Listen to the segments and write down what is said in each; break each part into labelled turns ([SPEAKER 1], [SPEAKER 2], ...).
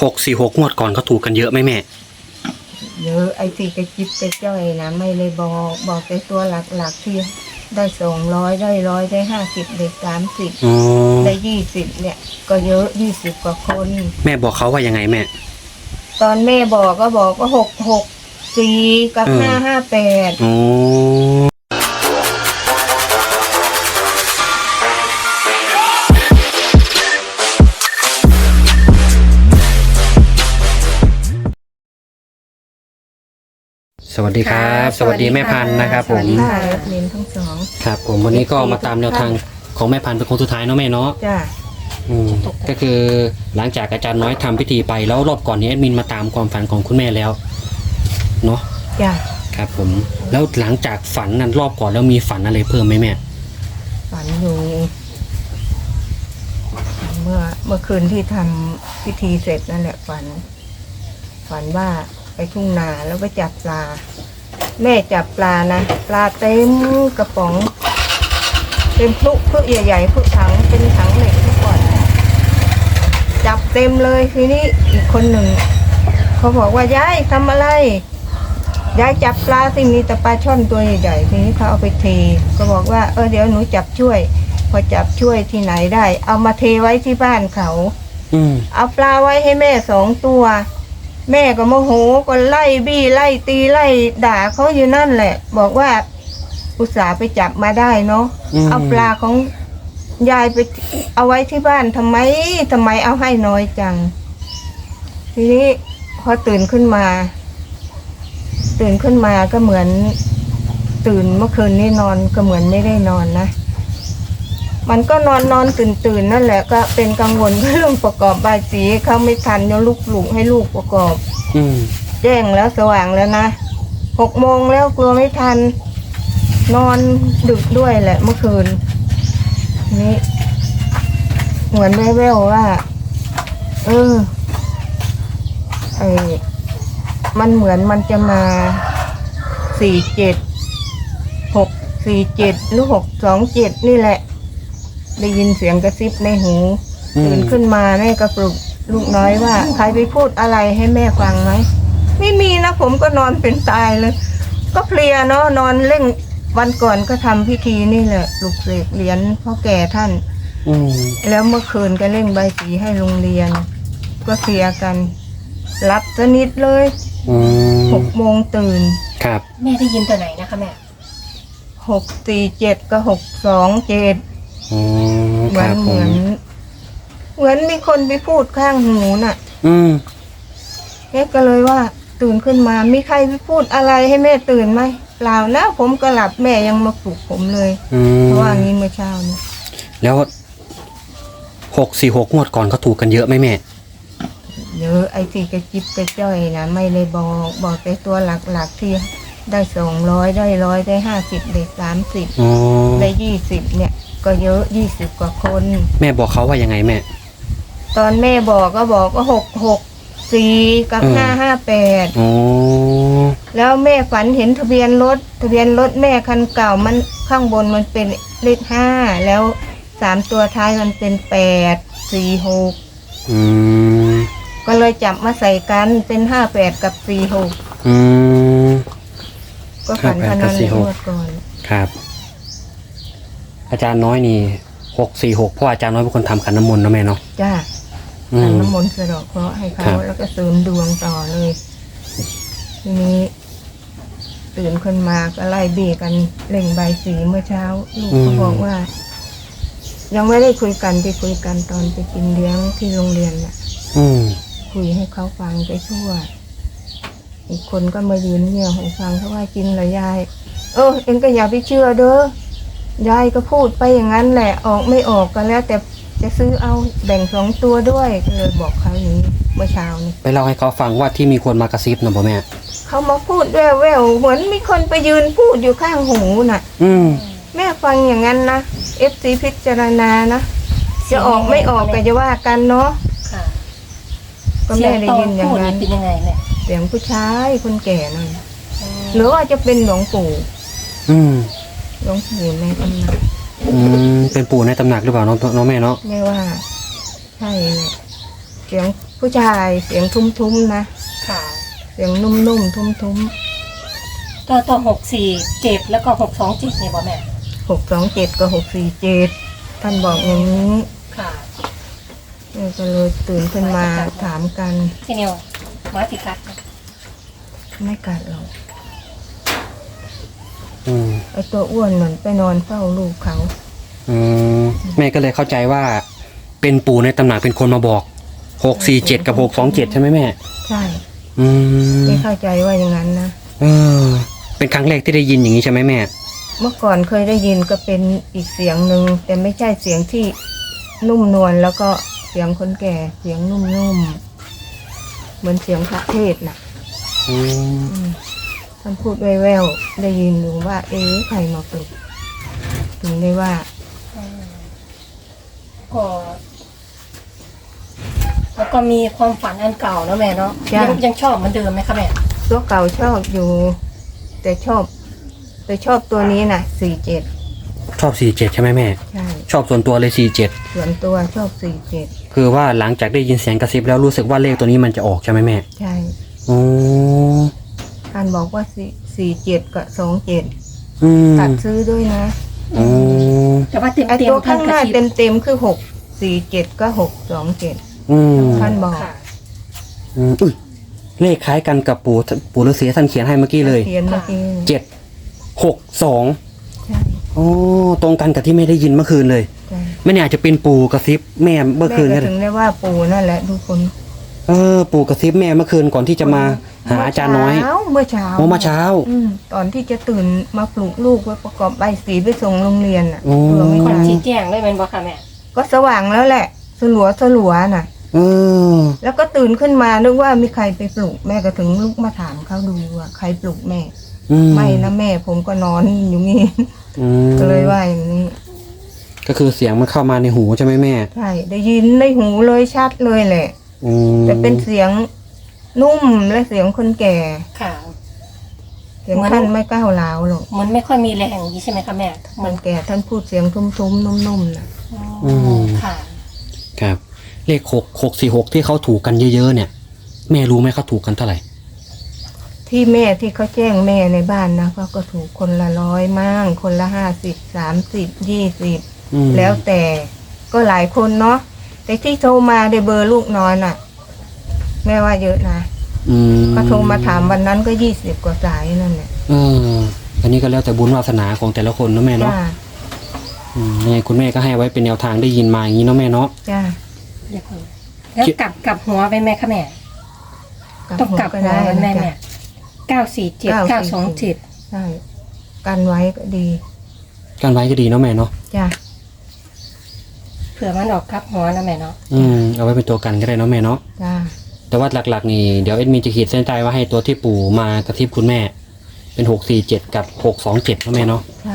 [SPEAKER 1] 646งวดก่อนเขาถูกกันเยอะไหมแม่
[SPEAKER 2] เยอะไอ้ที่กระจิบกระจ้อยนะไม่เลยบอกแต่ตัวหลักที่ได้200ได้100ได้50ได้30ได้20เนี่ยก็เยอะ20กว่าคน
[SPEAKER 1] แม่บอกเขาว่ายังไงแม่
[SPEAKER 2] ตอนแม่บอกก็บอกว่า664กับ558
[SPEAKER 1] อ๋อสวัสดีครับสวัสดีแม่พันธุ์นะครับผม
[SPEAKER 2] สวัสดีค่ะเรียนทั้งสอง
[SPEAKER 1] ครับผมวันนี้ก็มาตามแนวทางของแม่พันธุ์เป็นคนสุดท้ายเนาะแม่เนาะ
[SPEAKER 2] จ้ะ
[SPEAKER 1] ก็คือหลังจากอาจารย์น้อยทำพิธีไปแล้วรอบก่อนนี้แอดมินมาตามความฝันของคุณแม่แล้วเนาะ
[SPEAKER 2] จ้ะ
[SPEAKER 1] ครับผมแล้วหลังจากฝันนั้นรอบก่อนแล้วมีฝันอะไรเพิ่มไหมแม่
[SPEAKER 2] ฝันอยู่เมื่อคืนที่ทำพิธีเสร็จนั่นแหละฝันว่าไปทุ่งนาแล้วไปจับปลาแม่จับปลานะปลาเต็มกระป๋องเต็มพลุใหญ่ๆพลุถังเป็นถังเหล็กทุกคนจับเต็มเลยทีนี้อีกคนหนึ่งเขาบอกว่ายายทำอะไรยายจับปลาสิมีแต่ปลาช่อนตัวใหญ่ๆทีนี้เขาเอาไปเทก็บอกว่าเดี๋ยวหนูจับช่วยพอจับช่วยที่ไหนได้เอามาเทไว้ที่บ้านเขาเอาปลาไว้ให้แม่2 ตัวแม่ก็โมโหก็ไล่บี้ไล่ตีไล่ด่าเขาอยู่นั่นแหละบอกว่าอุตส่าห์ไปจับมาได้เนาะเอาปลาของยายไปเอาไว้ที่บ้านทำไมเอาให้น้อยจังทีนี้พอตื่นขึ้นมาก็เหมือนตื่นเมื่อคืนนี้นอนก็เหมือนไม่ได้นอนนะมันก็นอนตื่นนั่นแหละก็เป็นกังวลเรื่องประกอบบายสีเขาไม่ทันจะลุกให้ลูกประกอบแจ้งแล้วสว่างแล้วนะ6 โมงแล้วกลัวไม่ทันนอนดึกด้วยแหละเมื่อคืนนี้เหมือนแว่วๆว่ามันเหมือนมันจะมา647หรือ627นี่แหละได้ยินเสียงกระซิบในหูตื่นขึ้นมาแม่ก็ปลุกลูกน้อยว่าใครไปพูดอะไรให้แม่ฟังไหมไม่มีนะผมก็นอนเป็นตายเลยก็เพลียเนาะนอนเล่นวันก่อนก็ทำพิธีนี่แหละปลุกเสกเหรียญพ่อแก่ท่านแล้วเมื่อคืนก็เล่นใบสีให้โรงเรียนก็เคลียร์กันรับสนิทเลย6 โมงตื่น
[SPEAKER 1] ครับ
[SPEAKER 3] แม่ได้ยินตัวไหนนะคะแม่
[SPEAKER 2] 647กับ627เหมือนมีคนไปพูดข้างหูน่ะแม่ก็เลยว่าตื่นขึ้นมามีใครไปพูดอะไรให้แม่ตื่นไหมเปล่านะผมก็หลับแม่ยังมาปลุกผมเลยเพราะว่างี้เมื่อเช้าเนี่ย
[SPEAKER 1] แล้ว646งวดก่อนเขาถูกกันเยอะไหมแม่
[SPEAKER 2] เยอะไอ้ที่กระจิบกระจ้อยนะไม่เลยบอกแต่ตัวหลักที่ได้200ได้100ได้50ได้30ได้20เนี่ยก็เยอะ20กว่าคน
[SPEAKER 1] แม่บอกเขาว่ายังไงแม่
[SPEAKER 2] ตอนแม่บอกก็บอกว่า664กับ558แล้วแม่ฝันเห็นทะเบียนรถแม่คันเก่ามันข้างบนมันเป็นเลข5แล้ว3 ตัวท้ายมันเป็น846ก็เลยจับมาใส่กันเป็น58กับ46ก็ฝันขนาดนี้หมดก่อน
[SPEAKER 1] ครับอาจารย์น้อยนี่646เพราะอาจารย์น้อยเป็นคนทำขันน้ำมนต์นะแม่เนาะ
[SPEAKER 2] จ้าขันน้ำมนต์สะดอกเคราะห์ให้เขาแล้วก็เสริมดวงต่อเลยทีนี้ตื่นขึ้นมาก็ไล่เบี้กันเล่งใบสีเมื่อเช้าลูกเขาบอกว่ายังไม่ได้คุยกันไปคุยกันตอนไปกินเลี้ยงที่โรงเรียนน่ะคุยให้เขาฟังไปทั่วอีกคนก็มายืนเงี่ยให้ฟังเขาว่ากินเหรอยายเอ็งก็อย่าไปเชื่อเด้อยายก็พูดไปอย่างนั้นแหละออกไม่ออกก็แล้วแต่จะซื้อเอาแบ่ง2 ตัวด้วยก็เลยบอกเขาอย่างนี้เมื่อเช้านี้
[SPEAKER 1] ไปเล่าให้เขาฟังว่าที่มีคนมากระซิบนะพ่อแม่
[SPEAKER 2] เขามาพูดแว่วๆเหมือนมีคนไปยืนพูดอยู่ข้างหูน่ะแม่ฟังอย่างนั้นนะFC พิจารณานะจะออกไม่ออกก็จะว่ากันเนาะก็แม่ได้ยินอย่างนั้น
[SPEAKER 3] เป็นยังไงแม่
[SPEAKER 2] เสียงผู้ชายคนแก่นั่นหรือว่าจะเป็นหลวงปู่หลวงปู่ในตำหนัก
[SPEAKER 1] เป็นปู่ในตำหนักหรือเปล่าน้องแม่เนาะ
[SPEAKER 2] ไม่ว่าใช่เนี่ยเสียงผู้ชายเสียงทุ้มๆนะ
[SPEAKER 3] ค่ะ
[SPEAKER 2] เสียงนุ่มๆทุ้ม
[SPEAKER 3] ตัว647แล้วก็627เนี่ยบ่แม่
[SPEAKER 2] 627กับ647ท่านบอกอย่างนี้
[SPEAKER 3] ค่ะ
[SPEAKER 2] แม่ก็เลยตื่นขึ้นมาถามกัน
[SPEAKER 3] พี่นิวมาสิกัดนะ
[SPEAKER 2] ไม่กัดหรอก
[SPEAKER 1] อืม
[SPEAKER 2] ไอตัวอ้วนเหมือนไปนอนเฝ้าลูกเขา
[SPEAKER 1] อืมแม่ก็เลยเข้าใจว่า เป็นปู่ในตำหนักเป็นคนมาบอก647กับ627ใช่ไหมแม่
[SPEAKER 2] ใช่
[SPEAKER 1] อืม
[SPEAKER 2] ไม่เข้าใจว่าอย่างนั้นนะ
[SPEAKER 1] เออ เป็นครั้งแรกที่ได้ยินอย่างนี้ใช่ไหมแม่
[SPEAKER 2] เมื่อก่อนเคยได้ยินก็เป็นอีกเสียงหนึ่งแต่ไม่ใช่เสียงที่นุ่มนวลแล้วก็เสียงคนแก่เสียงนุ่มๆเหมือนเสียงพระเทศน์น่ะ
[SPEAKER 1] อืม
[SPEAKER 2] อืมท่านพูดแว่วๆได้ยินอยู่ว่า เอ๊ะใครมาปลุกถึงได้ว่า
[SPEAKER 3] ก็แล้วก็มีความฝันอันเก่าเนาะแม่เนาะ
[SPEAKER 2] จ้ะ
[SPEAKER 3] ยังชอบเหมือนเดิมไหมคะแม่
[SPEAKER 2] ตัวเก่าชอบอยู่ แต่ชอบตัวนี้น่ะ47
[SPEAKER 1] ชอบ47ใช่ไหมแม่
[SPEAKER 2] ใช่
[SPEAKER 1] ชอบส่วนตัวเลย47
[SPEAKER 2] ส่วนตัวชอบ47
[SPEAKER 1] คือว่าหลังจากได้ยินเสียงกระซิบแล้วรู้สึกว่าเลขตัวนี้มันจะออกใช่ไหมแม่
[SPEAKER 2] ใช่
[SPEAKER 1] อ๋อ
[SPEAKER 2] ท่านบอกว่า47กับ27
[SPEAKER 1] อืม
[SPEAKER 2] ตัดซื้อด้วยนะ
[SPEAKER 1] อ๋อ
[SPEAKER 3] แต่ว่าเต็ม
[SPEAKER 2] ไอ
[SPEAKER 3] เต็ม
[SPEAKER 2] ตัวข้างหน้า
[SPEAKER 3] เต็ม
[SPEAKER 2] เต็มๆคือ647ก็627
[SPEAKER 1] อืม
[SPEAKER 2] ท่านบอก
[SPEAKER 3] ค่ะ
[SPEAKER 1] อืมอุ้ยเลขคล้ายกันกับปู่ฤาษีท่านเขียนให้เมื่อกี้เลย
[SPEAKER 2] เขียนเมื่อกี้
[SPEAKER 1] 762
[SPEAKER 2] ใช่
[SPEAKER 1] อ๋อตรงกันกับที่ไม่ได้ยินเมื่อคืนเลย
[SPEAKER 2] ใช่
[SPEAKER 1] ไม่แน่อาจจะเป็นปู่กระซิบแม่เมื่อคืน
[SPEAKER 2] แม่
[SPEAKER 1] ก็
[SPEAKER 2] ก็
[SPEAKER 1] ได้
[SPEAKER 2] ถึงได้ว่าปู่นั่นแหละทุกคน
[SPEAKER 1] ปู่กระซิบแม่เมื่อคืนก่อนที่จะมาหาอาจารย์น้อย
[SPEAKER 2] เมื่อเช้า
[SPEAKER 1] โอ้มาเช้า
[SPEAKER 2] ตอนที่จะตื่นมาปลุกลูกไว้ประกอบใบสีไปส่งโรงเรียนอ่ะ
[SPEAKER 1] โอ้
[SPEAKER 2] เผื่อไม่
[SPEAKER 3] คน
[SPEAKER 2] ทัน
[SPEAKER 3] ชี้แจงเลยเป็นบ่ค่ะแม่
[SPEAKER 2] ก็สว่างแล้วแหละสลัวน่ะ
[SPEAKER 1] เออ
[SPEAKER 2] แล้วก็ตื่นขึ้นมานึกว่ามีใครไปปลุกแม่ก็ถึงลุกมาถามเขาดูว่าใครปลุกแม่
[SPEAKER 1] อืม
[SPEAKER 2] ไม่นะแม่ผมก็นอนอยู่นี่
[SPEAKER 1] อืม
[SPEAKER 2] ก็เลยว่าอย่างนี้
[SPEAKER 1] ก็คือเสียงมันเข้ามาในหูใช่ไหมแม่
[SPEAKER 2] ใช่ได้ยินในหูเลยชัดเลยแหละ
[SPEAKER 1] อืม
[SPEAKER 2] แต่เป็นเสียงนุ่มและเสียงคนแก่
[SPEAKER 3] ค่ะ
[SPEAKER 2] เสียงท่านไม่ก้าวร้าวหรอก
[SPEAKER 3] มันไม่ค่อยมีแรงอย่างนี้ใช่ไหมคะแม่
[SPEAKER 2] มันแก่ท่านพูดเสียงทุ้มๆนุ่มๆนะ
[SPEAKER 3] ค่ะ
[SPEAKER 1] ครับ เลข646ที่เขาถูกกันเยอะๆเนี่ย แม่รู้ไหมเขาถูกกันเท่าไหร่
[SPEAKER 2] ที่แม่ที่เขาแจ้งแม่ในบ้านนะเขาก็ถูกคนละ100มั่งคนละ50 30
[SPEAKER 1] อืม
[SPEAKER 2] 20แล้วแต่ก็หลายคนเนาะแต่ที่โทรมาได้เบอร์ลูกน้อยน่ะ แม่ว่าเยอะนะ
[SPEAKER 1] อืม
[SPEAKER 2] ก็โทรมาถามวันนั้นก็20 กว่าสายนั่นแหละ
[SPEAKER 1] อันนี้ก็แล้วแต่บุญวาสนาของแต่ละคนเนาะแม่เนาะ
[SPEAKER 2] จ้า
[SPEAKER 1] ยังไงคุณแม่ก็ให้ไว้เป็นแนวทางได้ยินมาอย่างนี้เนาะแม่เนาะ
[SPEAKER 2] จ้า
[SPEAKER 3] เดี๋ยวก่อนแล้วกลับหัวไปแม่คะแม่ ต้องกลับหัวไว้แม่
[SPEAKER 2] จ้ะ
[SPEAKER 3] แม่947 927
[SPEAKER 2] ใช่กันไว้ก็ดี
[SPEAKER 1] การไว้ก็ดีเนาะแม่เนาะ
[SPEAKER 2] จ้า
[SPEAKER 3] เผื่อมันออกกลับหัวนะแม่เนาะ
[SPEAKER 1] เอาไว้เป็นตัวกันก็ได้เนาะแม่เนาะ
[SPEAKER 2] จ้า
[SPEAKER 1] แต่ว่าหลักๆนี่เดี๋ยวเอ็ดมินจะขีดเส้นใต้ว่าให้ตัวที่ปู่มากระทิบคุณแม่ เป็น647กับ627เนาะแม่เนาะ
[SPEAKER 2] ใช่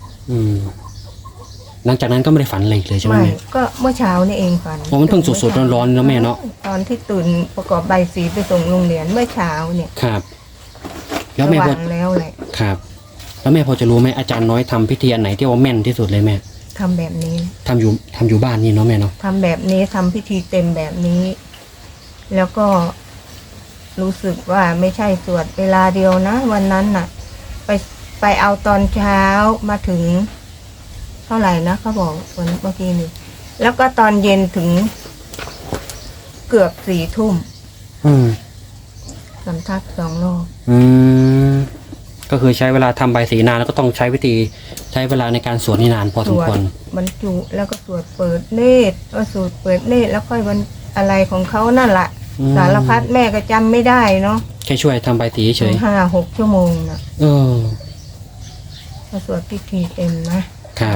[SPEAKER 1] หลังจากนั้นก็ไม่ได้ฝันอะไรอีกเลยใช่ไหม
[SPEAKER 2] ไม่
[SPEAKER 1] แม่
[SPEAKER 2] ก็เมื่อเช้านี่เองฝัน
[SPEAKER 1] โอ้มันเพิ่งสดๆร้อนๆนะแม่เนาะ
[SPEAKER 2] ตอนที่ตื่นประกอบใบสีไปส่งโรงเรียนเมื่อเช้าเนี่ย
[SPEAKER 1] ครับ
[SPEAKER 2] ส
[SPEAKER 1] แล้วแม่พอ
[SPEAKER 2] ว่างแล้วแหละ
[SPEAKER 1] ครับ แล้วแม่พอจะรู้ไหมอาจารย์น้อยทำพิธีอันไหนที่ว่าแม่นที่สุดเลยแม่
[SPEAKER 2] ทำแบบนี้
[SPEAKER 1] ทำอยู่บ้านนี่เนาะแม่เนาะ
[SPEAKER 2] ทำแบบนี้ทำพิธีเต็มแบบนี้ แล้วก็รู้สึกว่าไม่ใช่สวดเวลาเดียวนะ วันนั้นน่ะ ไปเอาตอนเช้ามาถึง เท่าไหร่นะเขาบอกวันเมื่อกี้นี่แล้วก็ตอนเย็นถึง เกือบ4 ทุ่ม
[SPEAKER 1] อืม
[SPEAKER 2] สำทัก2 รอบ
[SPEAKER 1] ก็คือใช้เวลาทำใบสีนานแล้วก็ต้องใช้วิธีใช้เวลาในการสวดนี่นานพอส
[SPEAKER 2] ส
[SPEAKER 1] ม
[SPEAKER 2] วด
[SPEAKER 1] ควร
[SPEAKER 2] บรรจุแล้วก็สวดเปิดเนตรก็สวดเปิดเนตรแล้วค่อยวันอะไรของเขานั่นแหละ
[SPEAKER 1] อืม
[SPEAKER 2] สารพัดแม่ก็จำไม่ได้เนาะ
[SPEAKER 1] แค่ช่วยทำใบสีเฉย
[SPEAKER 2] 5-6 ชั่วโมงนะ
[SPEAKER 1] เออ
[SPEAKER 2] ก็สวดพิธีเต็มนะครับ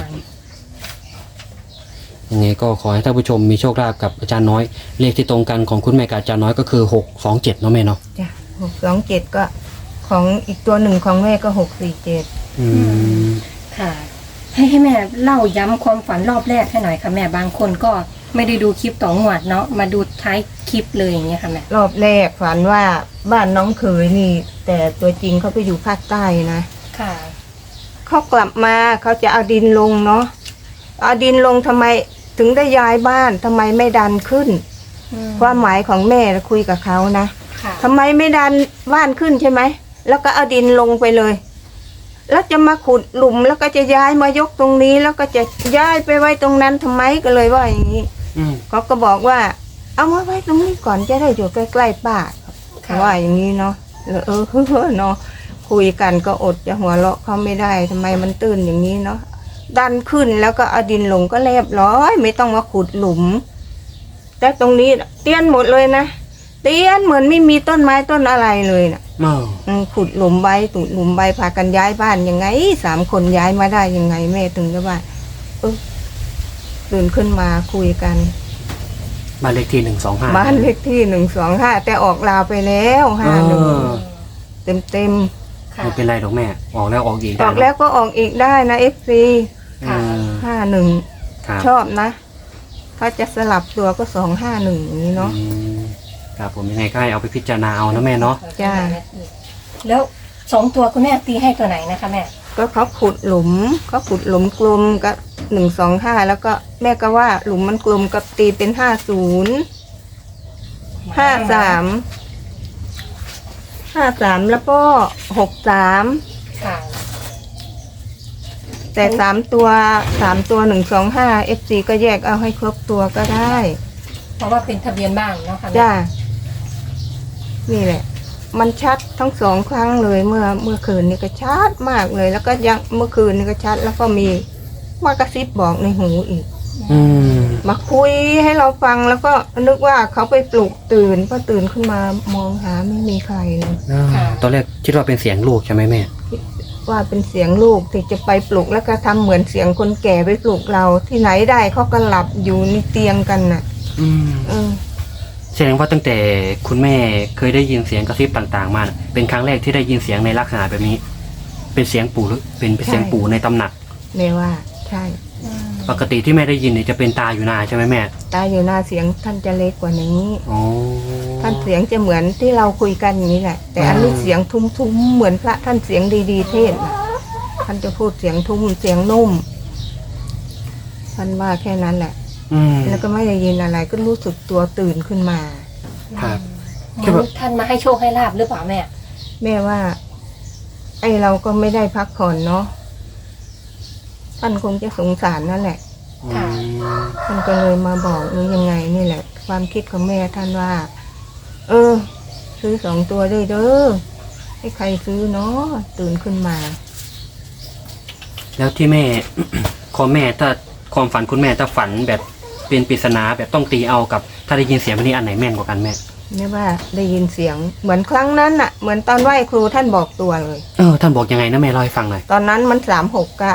[SPEAKER 1] ยังไงก็ขอให้ท่านผู้ชมมีโชคลาภกับอาจารย์น้อย เลขที่ตรงกันของคุณแม่กับอาจารย์น้อยก็คือ627เนาะแม่เนาะ
[SPEAKER 2] จ้ะ627ก็ของอีกตัวหนึ่งของแม่ก็647
[SPEAKER 1] อืม
[SPEAKER 3] ค่ะ ให้แม่เล่าย้ำความฝันรอบแรกให้หน่อยค่ะแม่บางคนก็ไม่ได้ดูคลิปต่องวดเนาะมาดูท้ายคลิปเลยอย่างเงี้ยค่ะแม่
[SPEAKER 2] รอบแรกฝันว่าบ้านน้องเขยนี่ แต่ตัวจริงเขาไปอยู่ภาคใต้นะ
[SPEAKER 3] ค่ะ
[SPEAKER 2] เขากลับมาเขาจะเอาดินลงเนาะเอาดินลงทำไมถึงได้ย้ายบ้านทำไมไม่ดันขึ้นความหมายของแม่คุยกับเขานะ
[SPEAKER 3] ค่ะ
[SPEAKER 2] ทำไมไม่ดันบ้านขึ้นใช่ไหมแล้วก็เอาดินลงไปเลย แล้วจะมาขุดหลุมแล้วก็จะย้ายมายกตรงนี้ แล้วก็จะย้ายไปไว้ตรงนั้นทำไมก็เลยว่าอย่างนี้
[SPEAKER 1] อืม
[SPEAKER 2] เขาก็บอกว่า เอามาไว้ตรงนี้ก่อนจะได้อยู่ใกล้ๆป้า
[SPEAKER 3] ค่ะ
[SPEAKER 2] ว่าอย่างนี้เนาะเนาะคุยกันก็อดจะหัวเราะเขาไม่ได้ทำไมมันตื้นอย่างนี้เนาะดันขึ้นแล้วก็เอาดินลงก็เรียบร้อย ไม่ต้องมาขุดหลุม แต่ตรงนี้เตี้ยนหมดเลยนะเตี้ยนเหมือนไม่มีต้นไม้ต้นอะไรเลยนะ
[SPEAKER 1] อ้าว
[SPEAKER 2] ขุดหลุมใบตุดหลุมใบพากันย้ายบ้านยังไง3 คนย้ายมาได้ยังไงแม่ถึงจะว่าตื่นขึ้นมาคุยกัน
[SPEAKER 1] บ้านเลขที่125
[SPEAKER 2] บ้านเลขที่125แต่ออกลาวไปแล้ว
[SPEAKER 1] เอ
[SPEAKER 2] 51
[SPEAKER 1] อ
[SPEAKER 2] เต็ม
[SPEAKER 3] ค่ะ
[SPEAKER 1] ไม่เป็นไรหรอกแม่ออกแล้วออกอีก
[SPEAKER 2] อ
[SPEAKER 1] ได้
[SPEAKER 2] อกแล้วก็ออกอีกได้นะ FC
[SPEAKER 1] อืม
[SPEAKER 2] 51
[SPEAKER 1] ครับ
[SPEAKER 2] ชอบนะ ถ้าจะสลับตัวก็251อย่างนี้เนาะ
[SPEAKER 1] อืมครับผมยังไงก็ให้เอาไปพิจารณาเอานะแม่เนาะ
[SPEAKER 2] จ้า
[SPEAKER 3] แล้ว2 ตัวคุณแม่ตีให้ตัวไหนนะคะแม่
[SPEAKER 2] ก็เขาขุดหลุมกลมกับ125แล้วก็แม่ก็ว่าหลุมมันกลมกับตีเป็น50 53แล้วก็63
[SPEAKER 3] ค่ะ
[SPEAKER 2] แต่3 ตัว125 FC ก็แยกเอาให้ครบตัวก็ได้
[SPEAKER 3] เพราะว่าเป็นทะเบียนบ้านเนาะค่ะแม่
[SPEAKER 2] จ้านี่แหละ มันชัดทั้ง2 ครั้งเลยเมื่อคืนนี่ก็ชัดมากเลย แล้วก็ยังเมื่อคืนนี่ก็ชัด แล้วก็มีมากระซิบบอกในหูอีก
[SPEAKER 1] อืม
[SPEAKER 2] มาคุยให้เราฟังแล้วก็นึกว่าเขาไปปลุกตื่นพอตื่นขึ้นมามองหาไม่มีใครเลย
[SPEAKER 1] ตอนแรกคิดว่าเป็นเสียงลูกใช่ไหมแม่
[SPEAKER 2] ว่าเป็นเสียงลูกที่จะไปปลุกแล้วก็ทำเหมือนเสียงคนแก่ไปปลุกเราที่ไหนได้เขาก็หลับอยู่ในเตียงกันน่ะ
[SPEAKER 1] อืม
[SPEAKER 2] เออ
[SPEAKER 1] แสดงว่าตั้งแต่คุณแม่เคยได้ยินเสียงกระซิบต่างๆมาน่ะเป็นครั้งแรกที่ได้ยินเสียงในลักษณะแบบนี้ เป็นเสียงปู่หรือเป็นเสียงปู่ในตำหนัก
[SPEAKER 2] แม่ว่าใช่
[SPEAKER 1] ปกติที่แม่ได้ยินเนี่ยจะเป็นตาอยู่นาใช่ไหมแม่
[SPEAKER 2] ตาอยู่หน้าเสียงท่านจะเล็กกว่านี้
[SPEAKER 1] อ๋อ
[SPEAKER 2] ท่านเสียงจะเหมือนที่เราคุยกันอย่างนี้แหละ แต่อันนี้เสียงทุ้มๆเหมือนพระท่านเสียงดีๆเทศน์น่ะท่านจะพูดเสียงทุ้มเสียงนุ่มท่านว่าแค่นั้นแหละ
[SPEAKER 1] อืม
[SPEAKER 2] แล้วก็ไม่ได้ยินอะไรก็รู้สึกตัวตื่นขึ้นมา
[SPEAKER 1] ครับ
[SPEAKER 3] งั้นท่านมาให้โชคให้ลาบหรือเปล่าแม่
[SPEAKER 2] แม่ว่า ไอเราก็ไม่ได้พักผ่อนเนาะท่านคงจะสงสารนั่นแหละ
[SPEAKER 1] อืม
[SPEAKER 2] ท่านก็เลยมาบอกหรือยังไงนี่แหละ ความคิดของแม่ท่านว่า ซื้อ2 ตัวด้วยเด้อให้ใครซื้อเนาะตื่นขึ้นมา
[SPEAKER 1] แล้วที่แม่ ความฝันคุณแม่ถ้าฝันแบบเป็นปริศนาแบบต้องตีเอากับ ถ้าได้ยินเสียงแบบนี้อันไหนแม่นกว่ากันแม่
[SPEAKER 2] ไม่ว่าได้ยินเสียงเหมือนครั้งนั้นน่ะ เหมือนตอนไหว้ครูท่านบอกตัวเลย
[SPEAKER 1] ท่านบอกยังไงนะแม่เล่าให้ฟังหน่อย
[SPEAKER 2] ตอนนั้นมัน36กับ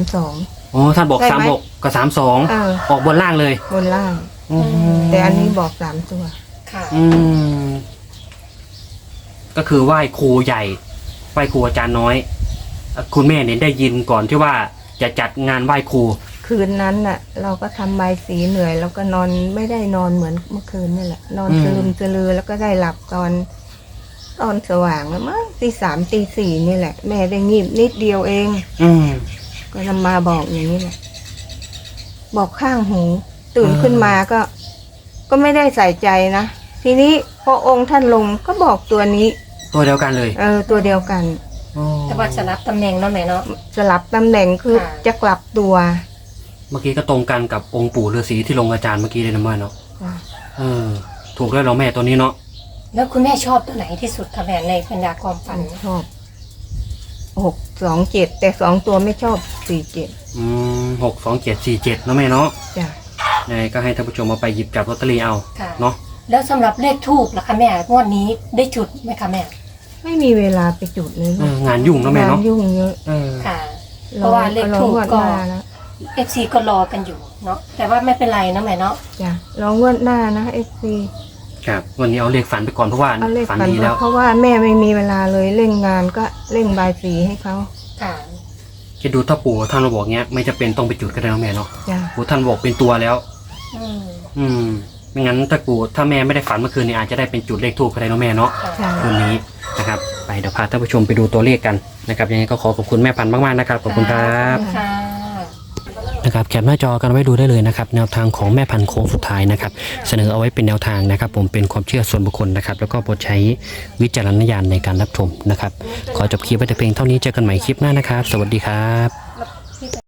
[SPEAKER 2] 32
[SPEAKER 1] อ๋อท่านบอก
[SPEAKER 2] ใช่ไหม
[SPEAKER 1] 36กับ32ออกบนล่างเลย
[SPEAKER 2] บนล่าง
[SPEAKER 1] อืม
[SPEAKER 2] แต่อันนี้บอก3 ตัว
[SPEAKER 3] ค่ะ
[SPEAKER 1] อืมก็คือไหว้ครูใหญ่ไหว้ครูอาจารย์น้อย คุณแม่เนี่ยได้ยินก่อนที่ว่าจะจัดงานไหว้ครู
[SPEAKER 2] คืนนั้นน่ะ เราก็ทำใบายสีเหนื่อยแล้วก็นอนไม่ได้นอนเหมือนเมื่อคืนนี่แหละ นอนสลืมสลือแล้วก็ได้หลับตอนสว่างแล้วมั้งตี 3ตี 4นี่แหละ แม่ได้งีบนิดเดียวเอง
[SPEAKER 1] อืม
[SPEAKER 2] ก็นำมาบอกอย่างนี้แหละ บอกข้างหู ตื่นขึ้นมาก็ไม่ได้ใส่ใจนะทีนี้พอองค์ท่านลงก็บอกตัวนี้
[SPEAKER 1] ตัวเดียวกันเลย
[SPEAKER 2] ตัวเดียวกัน
[SPEAKER 1] อ๋อ
[SPEAKER 3] แต่ว่าจะรับตำแหน่งเนาะแม่เนาะ
[SPEAKER 2] สลับตำแหน่งคือ
[SPEAKER 3] ค่ะ
[SPEAKER 2] จะกลับตัว
[SPEAKER 1] เมื่อกี้ก็ตรงกันกับองค์ปู่ฤาษีที่ลงอาจารย์เมื่อกี้เลยนะแม่เนาะถูกแล้วเราแม่ตัวนี้เนาะ
[SPEAKER 3] แล้วคุณแม่ชอบตัวไหนที่สุดคะแม่ในบรรดาความฝัน
[SPEAKER 2] ชอบ627แต่2 ตัวไม่ชอบ47
[SPEAKER 1] 62747นะแม่เนาะ
[SPEAKER 2] จ้ะ
[SPEAKER 1] ยังไงก็ให้ท่านผู้ชมมาไปหยิบจับลอตเตอรี่เอา
[SPEAKER 3] ค่ะ
[SPEAKER 1] เนาะ
[SPEAKER 3] แล้วสำหรับเลขทูบล่ะคะแม่งวดนี้ได้จุดไหมคะแม่
[SPEAKER 2] ไม่มีเวลาไปจุดเลยลูก
[SPEAKER 1] งานยุ่งนะแม่
[SPEAKER 2] งาน
[SPEAKER 1] เนาะ
[SPEAKER 2] ยุ่งเยอะ
[SPEAKER 3] ค่ะ เพราะว่าเลขทูปก็
[SPEAKER 2] รองวดหน้านะ
[SPEAKER 3] FC ก็รอกันอยู่เนาะแต่ว่าไม่เป็นไรนะแม่เนาะ
[SPEAKER 2] จ้ะรองวดหน้านะ FC
[SPEAKER 1] ครับวันนี้เอาเลขฝันไปก่อนเพราะว่า
[SPEAKER 2] เอาเลข
[SPEAKER 1] ฝัน
[SPEAKER 2] ฝัน
[SPEAKER 1] ดีแล้ว
[SPEAKER 2] เพราะว่าแม่ไม่มีเวลาเลยเร่งงานก็เร่งบายสีให้เขา
[SPEAKER 3] ค่ะ
[SPEAKER 1] จะดูถ้าปู่ท่านมาบอกเงี้ยไม่จะเป็นต้องไปจุดก็ได้นะแม่เนาะ
[SPEAKER 2] จ้ะ
[SPEAKER 1] ปู่ท่านบอกเป็นตัวแล้ว
[SPEAKER 3] อืม
[SPEAKER 1] ไม่งั้นถ้าแม่ไม่ได้ฝันเมื่อคืนนี้อาจจะได้เป็นจุดเลขทูบก็ได้นะแม่เนาะ
[SPEAKER 3] ค่ะ
[SPEAKER 2] ใช่
[SPEAKER 1] คืนนี้นะครับไปเดี๋ยวพาท่านผู้ชมไปดูตัวเลขกันนะครับยังไงก็ขอบคุณแม่พันธุ์มากๆนะครับขอบคุณครับ
[SPEAKER 3] ค่ะ
[SPEAKER 1] นะครับแคปหน้าจอกันไว้ดูได้เลยนะครับแนวทางของแม่พันธุ์โค้งสุดท้ายนะครับเสนอเอาไว้เป็นแนวทางนะครับผมเป็นความเชื่อส่วนบุคคลนะครับแล้วก็โปรดใช้วิจารณญาณในการรับชมนะครับขอจบคลิปไว้แต่เพียงเท่านี้เจอกันใหม่คลิปหน้านะครับสวัสดีครับ